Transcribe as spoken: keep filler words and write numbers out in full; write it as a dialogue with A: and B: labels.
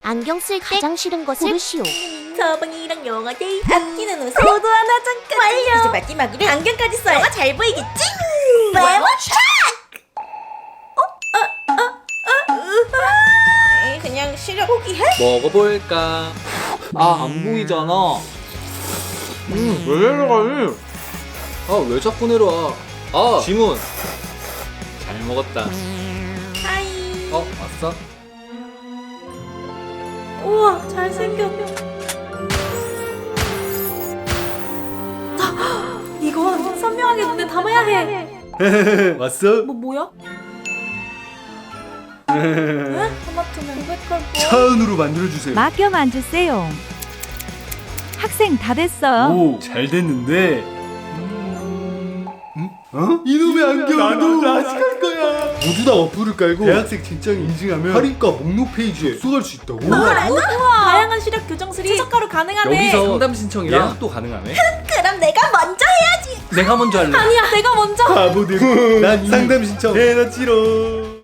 A: 안경 쓸 때 가장 싫은 것을 고르시오.
B: 서방이랑 영화 데이트, 아끼는 옷에 모두 하나 잠깐 완료. 이제 마지막으로 안경까지 써야 영화 잘 보이겠지? 메모 체크! 어? 어? 어? 어? 에이, 그냥 시력 포기해?
C: 먹어볼까? 아, 안 보이잖아. 음, 왜 내려가니? 아, 왜 자꾸 내려와? 아, 지문. 잘 먹었다.
B: 하이.
C: 어, 왔어?
B: 우와, 잘생겼다. 이건 선명하게 눈에 담아야 해.
C: 왔어?
B: 뭐 뭐야? 에? 토마토는 고백할 거.
D: 차은우로 만들어주세요.
E: 맡겨 만주세요. 학생 다 됐어요.
D: 오, 잘 됐는데. 응? 어? 이놈의 안경 나도 라식할 거야. 모두 다 어플을 깔고 대학생 신청 인증하면 할인가 목록 페이지에 접속할 수 있다고.
B: 다양한 시력 교정술이 최저가로 가능하네.
C: 여기서 상담 신청이랑 예약도 가능하네?
B: 그럼 내가 먼저 해야지.
C: 내가 먼저 할래.
B: 아니야, 내가 먼저.
D: 바보들. 난 상담 신청 해놨지롱.